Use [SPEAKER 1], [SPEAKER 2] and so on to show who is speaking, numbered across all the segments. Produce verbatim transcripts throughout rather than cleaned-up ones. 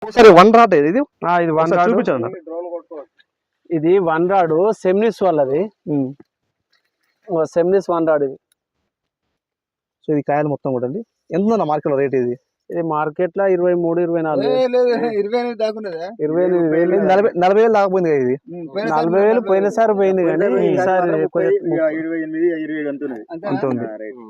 [SPEAKER 1] సరే one rod ఇది ఇది
[SPEAKER 2] వన్ రాడ్
[SPEAKER 1] చూపించండి.
[SPEAKER 2] ఇది వన్ రాడ్ సెమినిస్ వాళ్ళది, సెమినిస్ వన్ రాడ్ ఇది.
[SPEAKER 1] సో ఇది కాయలు మొత్తం కూడా అండి ఎంత ఉందన్న మార్కెట్ రేట్? ఇది
[SPEAKER 2] ఇది మార్కెట్ లో ఇరవై మూడు ఇరవై నాలుగు
[SPEAKER 3] ఇరవై ఎనిమిది దాకా
[SPEAKER 2] ఇరవై ఎనిమిది వేలు
[SPEAKER 1] నలభై నలభై వేలు దాకపోయింది ఇది.
[SPEAKER 2] నలభై వేలు పోయినసారి పోయింది కానీ ఈసారి
[SPEAKER 1] అంతుంది.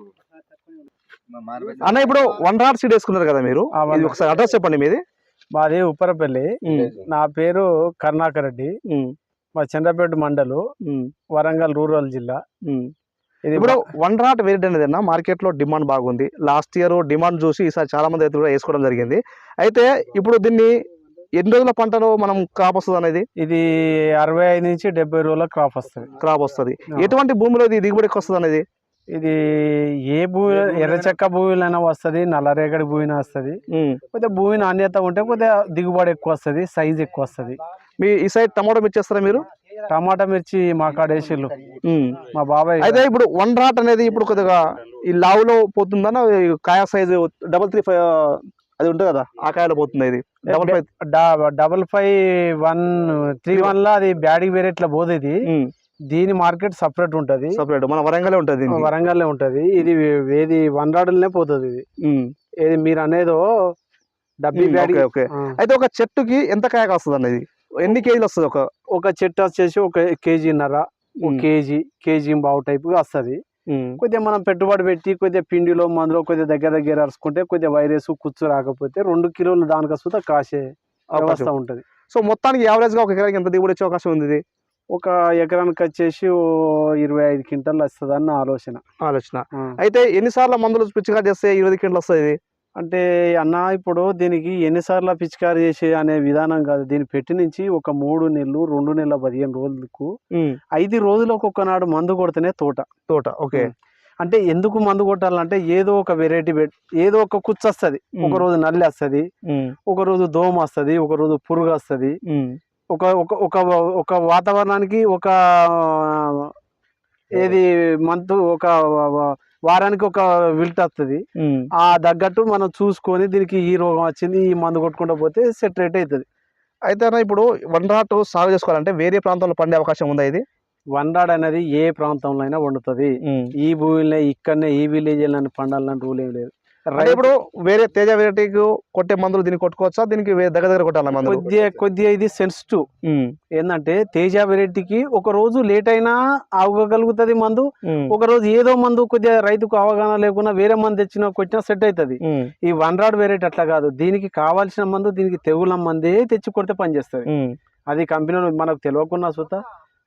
[SPEAKER 1] అన్న ఇప్పుడు వన్ రాడ్ సీడ్ వేసుకున్నారు కదా మీరు, ఒకసారి అడ్రస్ చెప్పండి మీది.
[SPEAKER 2] మాది ఉప్పరపల్లి, నా పేరు కరుణాకర్ రెడ్డి, మా చంద్రపేట మండలు, వరంగల్ రూరల్ జిల్లా.
[SPEAKER 1] ఇది ఇప్పుడు వన్ రాట్ వెరైటీ అనేది అన్న మార్కెట్ లో డిమాండ్ బాగుంది. లాస్ట్ ఇయర్ డిమాండ్ చూసి ఈసారి చాలా మంది రైతులు కూడా వేసుకోవడం జరిగింది. అయితే ఇప్పుడు దీన్ని ఎన్ని రోజుల పంటలో మనం క్రాప్ వస్తుంది అనేది?
[SPEAKER 2] ఇది అరవై ఐదు నుంచి డెబ్బై రోజుల క్రాప్ వస్తుంది.
[SPEAKER 1] క్రాప్ వస్తుంది. ఎటువంటి భూమిలో ఇది దిగుబడికి వస్తుంది అనేది?
[SPEAKER 2] ఇది ఏ భూమి, ఎర్రచెక్క భూమిలైనా వస్తుంది, నల్లరేగడి భూమిన వస్తుంది. కొద్దిగా భూమి నాణ్యత ఉంటే కొద్దిగా దిగుబడి ఎక్కువ వస్తుంది, సైజ్ ఎక్కువ వస్తుంది.
[SPEAKER 1] మీ ఈ సైడ్ టమాటో మిర్చి చేస్తారా మీరు?
[SPEAKER 2] టమాటా మిర్చి మా కాడేసిళ్ళు మా బాబాయ్.
[SPEAKER 1] అయితే ఇప్పుడు వన్ రాట్ అనేది ఇప్పుడు కొద్దిగా ఈ లావులో పోతుందన్న, కాయ సైజు డబల్ త్రీ ఫైవ్ అది ఉంటుంది కదా, ఆ కాయలో పోతుంది. ఇది double five
[SPEAKER 2] double five one three one లా అది బ్యాడీ వేరేట్లా పోదు. ఇది దీని మార్కెట్ సపరేట్ ఉంటది,
[SPEAKER 1] సపరేట్ మన వరంగల్ ఉంటది,
[SPEAKER 2] వరంగల్ ఉంటది. ఇది ఏది వన్ రాడ్లనే పోతుంది. ఇది ఏది మీరు అనేదో డబ్బీ బ్యాడీ.
[SPEAKER 1] అయితే ఒక చెట్టుకి ఎంత కాయ కాస్తుంది అన్నది, ఎన్ని కేజీలు వస్తుంది? ఒక
[SPEAKER 2] ఒక చెట్టు వచ్చేసి ఒక కేజీన్నర, ఒక కేజీ కేజీ బావు టైపుగా వస్తుంది. కొద్దిగా మనం పెట్టుబడి పెట్టి కొద్దిగా పిండిలో మందులో కొద్దిగా దగ్గర దగ్గర అరుచుకుంటే కొద్దిగా వైరస్ కుచ్చు రాకపోతే రెండు కిలోలు దానికి వస్తుందా కాసే అవకాశం ఉంటది.
[SPEAKER 1] సో మొత్తానికి యావరేజ్ గా ఒక ఎకరానికి ఎంత దిగుబడి వచ్చే అవకాశం ఉంది?
[SPEAKER 2] ఒక ఎకరానికి వచ్చేసి ఇరవై ఐదు క్వింటల్ వస్తుంది అన్న ఆలోచన
[SPEAKER 1] ఆలోచన అయితే ఎన్నిసార్లు మందులు పిచ్చిగా చేస్తే ఇరవై క్వింటల్ వస్తుంది?
[SPEAKER 2] అంటే అన్న ఇప్పుడు దీనికి ఎన్నిసార్లు పిచికారీ చేసే అనే విధానం కాదు. దీన్ని పెట్టి నుంచి ఒక మూడు నెలలు రెండు నెలల పదిహేను రోజులకు ఐదు రోజులకు ఒక్కనాడు మందు కొడితేనే తోట
[SPEAKER 1] తోట ఓకే.
[SPEAKER 2] అంటే ఎందుకు మందు కొట్టాలంటే ఏదో ఒక వెరైటీ పెట్టి ఏదో ఒక కుచ్చు వస్తుంది, ఒక రోజు నల్లి వస్తుంది, ఒక రోజు దోమ వస్తుంది, ఒక రోజు పురుగు వస్తుంది. ఒక ఒక ఒక వాతావరణానికి ఒక ఏది మంత్ ఒక వారానికి ఒక విల్ట్ వస్తుంది. ఆ తగ్గట్టు మనం చూసుకొని దీనికి ఈ రోగం వచ్చింది ఈ మందు కొట్టుకుంటూ పోతే సెట్ రేట్ అవుతుంది.
[SPEAKER 1] అయితే ఇప్పుడు వన్ రాట్ సాగు చేసుకోవాలంటే వేరే ప్రాంతంలో పండే అవకాశం ఉందా? ఇది
[SPEAKER 2] వన్ రాడ్ అనేది ఏ ప్రాంతంలో అయినా వండుతుంది. ఈ భూమిలో ఇక్కడనే ఈ విలేజ్ పండాలని రూల్ ఏం లేదు.
[SPEAKER 1] ఇప్పుడు వేరే తేజ వెరైటీకి కొట్టే మందులు దీనికి కొట్టుకోవచ్చా? దీనికి దగ్గర దగ్గర కొట్టాలి మందులు?
[SPEAKER 2] కొద్దిగా కొద్దిగా ఇది సెన్సిటివ్. ఏంటంటే తేజ వెరైటీకి ఒక రోజు లేట్ అయినా ఆగగలుగుతుంది మందు, ఒక రోజు ఏదో మందు కొద్దిగా రైతుకు అవగాహన లేకుండా వేరే మందు తెచ్చినా కొట్టినా సెట్ అవుతుంది. ఈ వన్ రాడ్ వెరైటీ అట్లా కాదు. దీనికి కావాల్సిన మందు దీనికి తెగుల మందే తెచ్చి కొడితే పనిచేస్తుంది. అది కంపెనీలో మనకు తెలియకుండా సుతా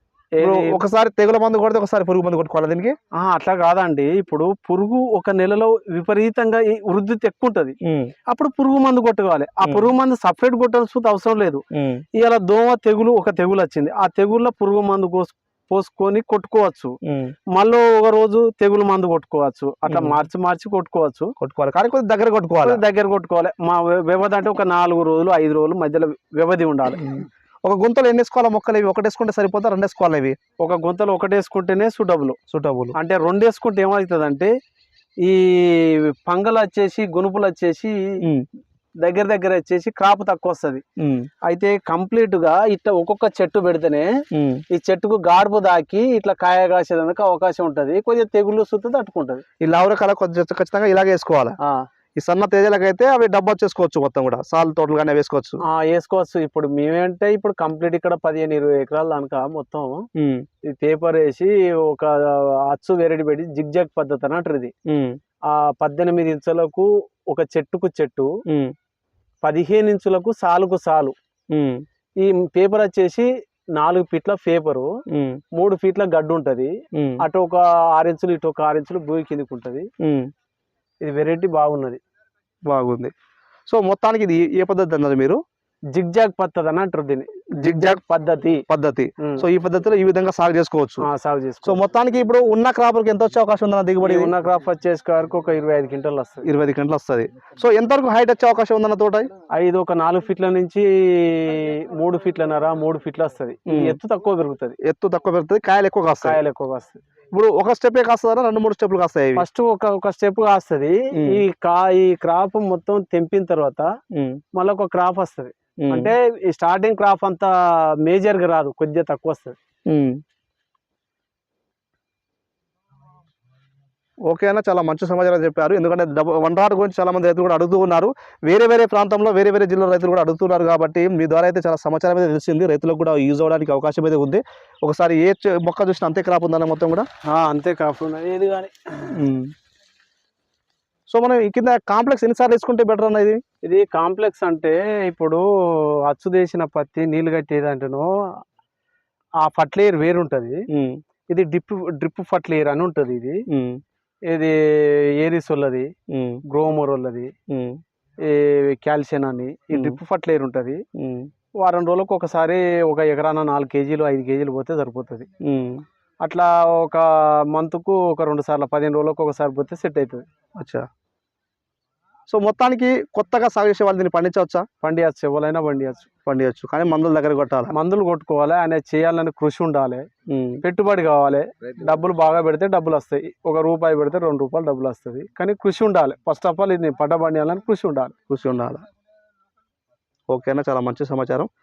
[SPEAKER 1] ఒకసారి తెగుల మందు కొడితే ఒకసారి పురుగు మందు కొట్టుకోవాలి దీనికి?
[SPEAKER 2] అట్లా కాదండి. ఇప్పుడు పురుగు ఒక నెలలో విపరీతంగా వృద్ధి ఎక్కువ ఉంటది, అప్పుడు పురుగు మందు కొట్టుకోవాలి. ఆ పురుగు మందు సపరేట్ కొట్టాల్సిన అవసరం లేదు. ఇలా దోమ తెగులు ఒక తెగులు వచ్చింది, ఆ తెగుల్లో పురుగు మందు పోసుకొని కొట్టుకోవచ్చు. మళ్ళీ ఒక రోజు తెగులు మందు కొట్టుకోవచ్చు. అట్లా మార్చి మార్చి కొట్టుకోవచ్చు
[SPEAKER 1] కొట్టుకోవాలి కానీ కొద్దిగా దగ్గర కొట్టుకోవాలి
[SPEAKER 2] దగ్గర కొట్టుకోవాలి. మా వ్యవధి అంటే ఒక నాలుగు రోజులు ఐదు రోజులు మధ్యలో వ్యవధి ఉండాలి.
[SPEAKER 1] ఒక గుంతలు ఎన్ని వేసుకోవాలి మొక్కలు? ఇవి ఒకటి వేసుకుంటే సరిపోతా, రెండు వేసుకోవాలి? ఇవి
[SPEAKER 2] ఒక గుంతలు ఒకటి వేసుకుంటేనే సూటబుల్.
[SPEAKER 1] సూటబుల్ అంటే
[SPEAKER 2] రెండు వేసుకుంటే ఏమవుతుంది అంటే ఈ పంగలు వచ్చేసి గునుపులు వచ్చేసి దగ్గర దగ్గర వచ్చేసి క్రాప్ తక్కువ వస్తుంది. అయితే కంప్లీట్ గా ఇట్లా ఒక్కొక్క చెట్టు పెడితేనే ఈ చెట్టుకు గాడుపు దాకి ఇట్లా కాయ కాసేదానికి అవకాశం ఉంటది. కొద్దిగా తెగులు సుత్తు తట్టుకుంటది.
[SPEAKER 1] ఈ లావుర కళ కొద్దిగా ఖచ్చితంగా ఇలాగే వేసుకోవాలి. ఈ సన్న తేజలకు అయితే అవి డబ్బా చేసుకోవచ్చు, మొత్తం కూడా సాల్ తోటలు కానీ వేసుకోవచ్చు
[SPEAKER 2] వేసుకోవచ్చు. ఇప్పుడు మేమేంటే ఇప్పుడు కంప్లీట్ ఇక్కడ పదిహేను ఇరవై ఎకరాల దానిక మొత్తం ఈ పేపర్ వేసి ఒక అచ్చు వెరైటీ పెట్టి జిగ్ జాగ్ పద్ధతి అన్నట్టు. ఇది ఆ పద్దెనిమిది ఇంచులకు ఒక చెట్టుకు చెట్టు, పదిహేను ఇంచులకు సాలుకు సాలు. ఈ పేపర్ వచ్చేసి నాలుగు ఫీట్ల పేపరు, మూడు ఫీట్ల గడ్డు ఉంటది. అటు ఒక ఆరు ఇంచులు ఇటు ఒక ఆరు ఇంచులు భూమి కిందికి ఉంటది. ఇది వెరైటీ బాగున్నది,
[SPEAKER 1] బాగుంది. సో మొత్తానికి ఇది ఏ పద్ధతి అన్నారు మీరు?
[SPEAKER 2] జిగ్ జాగ్ పద్ధతి అని అంటారు దీన్ని, జిగ్ జాగ్ పద్ధతి
[SPEAKER 1] పద్ధతి సో ఈ పద్ధతిలో ఈ విధంగా సాగు చేసుకోవచ్చు.
[SPEAKER 2] సాగు చేసుకోవచ్చు.
[SPEAKER 1] సో మొత్తానికి ఇప్పుడు ఉన్న క్రాప్ ఎంత వచ్చే అవకాశం ఉందన్న దిగుబడి?
[SPEAKER 2] ఉన్న క్రాప్ వచ్చేసి వరకు ఒక ఇరవై ఐదు క్వింటల్ వస్తుంది.
[SPEAKER 1] ఇరవై ఐదు క్వింటల్ వస్తుంది. సో ఎంతవరకు హైట్ వచ్చే అవకాశం ఉందన్న తోట?
[SPEAKER 2] ఐదు ఒక నాలుగు ఫీట్ల నుంచి మూడు ఫీట్లన్నర మూడు ఫీట్లు వస్తుంది. ఎత్తు తక్కువ పెరుగుతుంది.
[SPEAKER 1] ఎత్తు తక్కువ పెరుగుతుంది, కాయలు ఎక్కువ కాస్తాయి.
[SPEAKER 2] కాయలు ఎక్కువ కాస్తాయి.
[SPEAKER 1] ఇప్పుడు ఒక స్టెప్ కాస్తుందా రెండు మూడు స్టెప్లు కాస్తాయి?
[SPEAKER 2] ఫస్ట్ ఒక ఒక స్టెప్ కాస్తుంది. ఈ కా ఈ క్రాప్ మొత్తం తెంపిన తర్వాత మళ్ళీ ఒక క్రాప్ వస్తుంది. అంటే ఈ స్టార్టింగ్ క్రాప్ అంతా మేజర్ గా రాదు, కొద్దిగా తక్కువ వస్తుంది.
[SPEAKER 1] ఓకే అన్న, చాలా మంచి సమాచారం చెప్పారు. ఎందుకంటే వన్ రాట్ గురించి చాలా మంది రైతులు కూడా అడుగుతూ ఉన్నారు. వేరే వేరే ప్రాంతంలో వేరే వేరే జిల్లా రైతులు కూడా అడుగుతున్నారు కాబట్టి మీ ద్వారా అయితే చాలా సమాచారం అయితే తెలిసింది. రైతులకు కూడా యూజ్ అవ్వడానికి అవకాశం అయితే ఉంది. ఒకసారి ఏ చె- మొక్క చూసినా అంతే క్రాప్ ఉందన్న మొత్తం కూడా.
[SPEAKER 2] ఆ, అంతే క్రాప్ ఉన్నది ఏది కానీ.
[SPEAKER 1] సో మనం ఈ కింద కాంప్లెక్స్ ఎన్నిసార్లు వేసుకుంటే బెటర్ అన్న ఇది?
[SPEAKER 2] ఇది కాంప్లెక్స్ అంటే ఇప్పుడు అచ్చు తీసిన పత్తి నీళ్లు కట్టేది అంటేనో ఆ ఫర్టిలైజర్ వేరు ఉంటుంది. ఇది డ్రిప్ డ్రిప్ ఫర్టిలైజర్ అని ఉంటుంది. ఇది ఇది ఏరిస్ వాళ్ళది, గ్రోమోర్ వాళ్ళది, ఈ కాల్షియం అని ఈ డ్రిప్ ఫర్టిలైజర్ ఉంటుంది. వారం రోజులకు ఒకసారి ఒక ఎకరాన నాలుగు కేజీలు ఐదు కేజీలు పోతే సరిపోతుంది. అట్లా ఒక మంత్కు ఒక రెండు సార్లు పదిహేను రోజులకు ఒకసారి పోతే సెట్ అవుతుంది.
[SPEAKER 1] అచ్చా. సో మొత్తానికి కొత్తగా సాగు చేసే వాళ్ళు దీన్ని పండించవచ్చా?
[SPEAKER 2] పండియచ్చు, ఎవరైనా పండియచ్చు.
[SPEAKER 1] పండియచ్చు, కానీ మందుల దగ్గర కొట్టాలి.
[SPEAKER 2] మందులు కొట్టుకోవాలి, ఆయన చేయాలని కృషి ఉండాలి, పెట్టుబడి కావాలి. డబ్బులు బాగా పెడితే డబ్బులు వస్తాయి, ఒక రూపాయి పెడితే రెండు రూపాయలు డబ్బులు వస్తుంది. కానీ కృషి ఉండాలి. ఫస్ట్ ఆఫ్ ఆల్ ఇది పంట పండియాలని కృషి ఉండాలి.
[SPEAKER 1] కృషి ఉండాలి. ఓకేనా, చాలా మంచి సమాచారం.